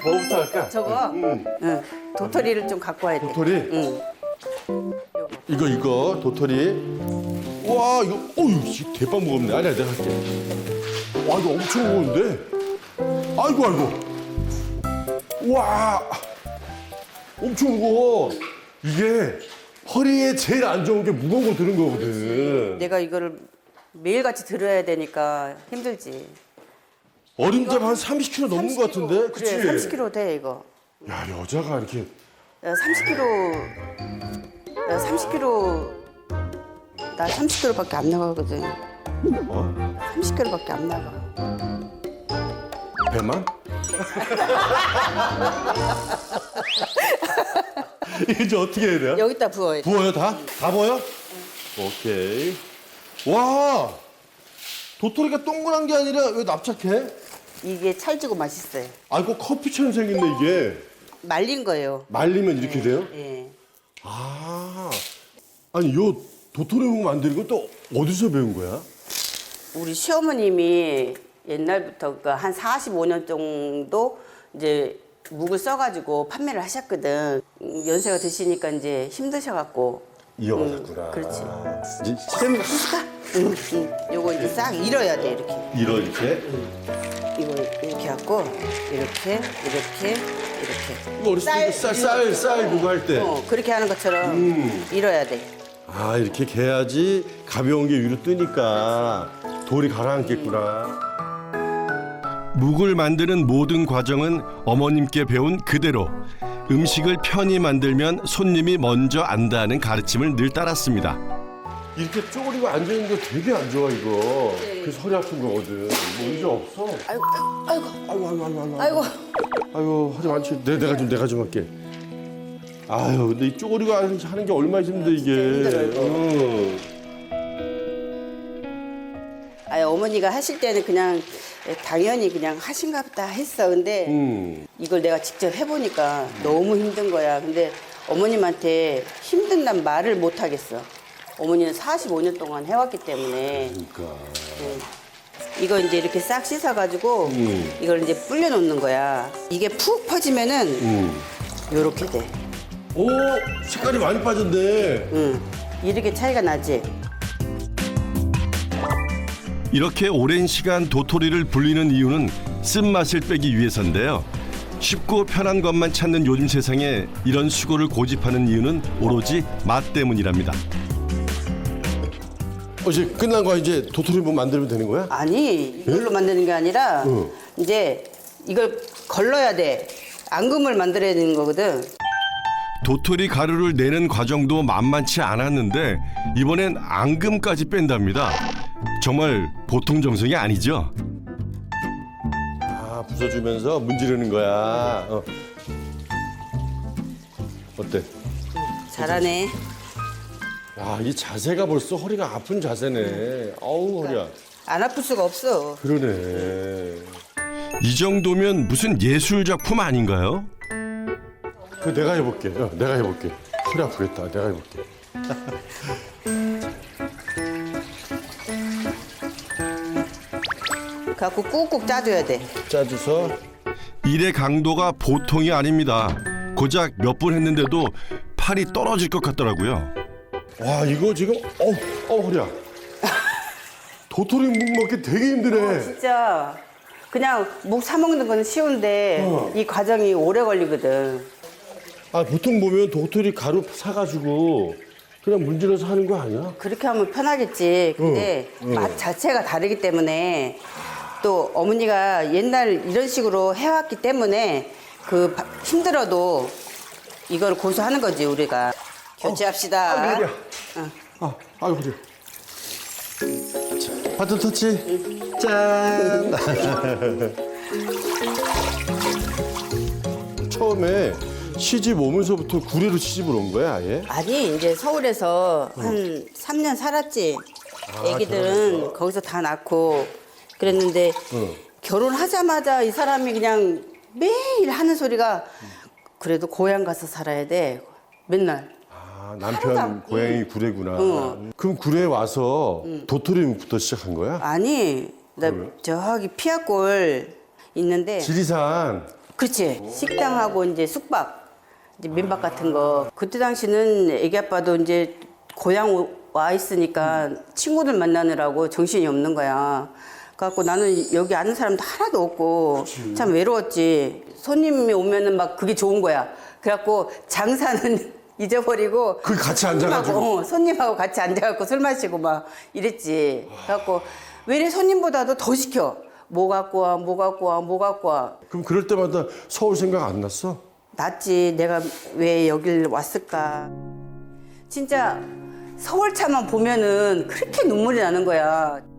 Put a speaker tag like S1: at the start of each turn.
S1: 뭐부터 할까?
S2: 저거
S1: 응.
S2: 응. 도토리를 좀 갖고 와야 돼.
S1: 도토리?
S2: 응.
S1: 이거 도토리. 와 이거 어유 대빵 무겁네. 아니야 내가 할게. 와 이거 엄청 무거운데. 아이고. 와 엄청 무거워. 이게 허리에 제일 안 좋은 게 무거운 거 드는 거거든.
S2: 내가 이거를 매일같이 들어야 되니까 힘들지.
S1: 어림잡 한 30kg 넘는 거 같은데? 그치?
S2: 그래, 30kg 돼 이거.
S1: 야 여자가 이렇게
S2: 야, 30kg. 나 30kg밖에 안 나가거든.
S1: 어?
S2: 30kg밖에 안 나가.
S1: 배만? 이게 이제 어떻게 해야 돼요?
S2: 여기다 부어.
S1: 부어요 다? 다 부어요? 오케이. 와 도토리가 동그란 게 아니라 왜 납작해?
S2: 이게 찰지고 맛있어요.
S1: 아이고 커피처럼 생겼네 이게.
S2: 말린 거예요.
S1: 말리면 이렇게 돼요?
S2: 예.
S1: 아 아니 요 도토리 묵 만드는 건 또 어디서 배운 거야?
S2: 우리 시어머님이 옛날부터 한 45년 정도 이제 묵을 써가지고 판매를 하셨거든. 연세가 드시니까 이제 힘드셔갖고.
S1: 이어가셨구나.
S2: 그렇지.
S1: 이제
S2: 응. 요거 이제 싹 잃어야 돼 이렇게.
S1: 이렇게.
S2: 이거 이렇게 갖고 이렇게.
S1: 이거 어렸을 때 쌀 그거 할 때.
S2: 그렇게 하는 것처럼 잃어야 돼.
S1: 아 이렇게 개야지 가벼운 게 위로 뜨니까 돌이 가라앉겠구나.
S3: 묵을 만드는 모든 과정은 어머님께 배운 그대로 음식을 편히 만들면 손님이 먼저 안다는 가르침을 늘 따랐습니다.
S1: 이렇게 쪼그리고 앉아있는 거 되게 안 좋아 이거. 그래서 허리 아픈 거거든. 뭐 의자 없어?
S2: 아이고.
S1: 아이고 하지 많지. 내가 좀 할게. 아유 근데 이 쪼그리고 하는 게 얼마나 힘든데 이게.
S2: 힘들어, 이거. 아니, 어머니가 하실 때는 그냥 당연히 그냥 하신가 보다 했어. 근데 이걸 내가 직접 해보니까 너무 힘든 거야. 근데 어머님한테 힘든단 말을 못 하겠어. 어머니는 45년 동안 해왔기 때문에.
S1: 그러니까.
S2: 이거 이제 이렇게 싹 씻어가지고 이걸 이제 불려놓는 거야. 이게 푹 퍼지면은 요렇게 돼.
S1: 오 색깔이 많이 빠졌네.
S2: 이렇게 차이가 나지?
S3: 이렇게 오랜 시간 도토리를 불리는 이유는 쓴맛을 빼기 위해서인데요. 쉽고 편한 것만 찾는 요즘 세상에 이런 수고를 고집하는 이유는 오로지 맛 때문이랍니다.
S1: 이제 끝난 거야. 이제 도토리 묵 만들면 되는 거야?
S2: 아니 이걸로 만드는 게 아니라 이제 이걸 걸러야 돼. 앙금을 만들어야 되는 거거든.
S3: 도토리 가루를 내는 과정도 만만치 않았는데 이번엔 앙금까지 뺀답니다. 정말 보통 정성이 아니죠?
S1: 아 부숴주면서 문지르는 거야. 어때?
S2: 잘하네.
S1: 야, 이 자세가 벌써 허리가 아픈 자세네. 아우 허리야.
S2: 안 아플 수가 없어.
S1: 그러네.
S3: 이 정도면 무슨 예술 작품 아닌가요?
S1: 그 내가 해볼게. 내가 해볼게. 허리 아프겠다. 내가 해볼게.
S2: 갖고 꾹꾹 짜줘야 돼.
S1: 짜줘서.
S3: 일의 강도가 보통이 아닙니다. 고작 몇 분 했는데도 팔이 떨어질 것 같더라고요.
S1: 와 이거 지금 허리야. 도토리 묵 먹기 되게 힘드네.
S2: 진짜 그냥 묵 사 먹는 건 쉬운데 이 과정이 오래 걸리거든.
S1: 아 보통 보면 도토리 가루 사가지고 그냥 문질러서 하는 거 아니야?
S2: 그렇게 하면 편하겠지. 근데 맛 자체가 다르기 때문에 또 어머니가 옛날 이런 식으로 해왔기 때문에 힘들어도 이걸 고수하는 거지 우리가. 교체합시다.
S1: 허리야. 아유 허리야. 바톤 터치. 짠. 처음에 시집 오면서부터 구례로 시집을 온 거야 아예?
S2: 아니 이제 서울에서 한 3년 살았지. 애기들은 거기서 다 낳고 그랬는데 결혼하자마자 이 사람이 그냥 매일 하는 소리가 그래도 고향 가서 살아야 돼. 맨날.
S1: 아, 남편 고향이 구례구나. 그럼 구례에 와서 도토리 묵부터 시작한 거야?
S2: 아니 나 저기 피아골 있는데
S1: 지리산.
S2: 그렇지. 식당하고 이제 숙박, 이제 민박 같은 거. 그때 당시는 애기 아빠도 이제 고향 와 있으니까 친구들 만나느라고 정신이 없는 거야. 그래갖고 나는 여기 아는 사람도 하나도 없고 참 외로웠지. 손님이 오면은 막 그게 좋은 거야. 그래갖고 장사는 잊어버리고
S1: 그 같이 앉아가지고.
S2: 손님하고 같이 앉아갖고 술 마시고 막 이랬지. 그래갖고 왜 이래 손님보다도 더 시켜. 뭐 갖고 와, 뭐 갖고 와, 뭐 갖고 와.
S1: 그럼 그럴 때마다 서울 생각 안 났어?
S2: 났지. 내가 왜 여길 왔을까. 진짜 서울차만 보면은 그렇게 눈물이 나는 거야.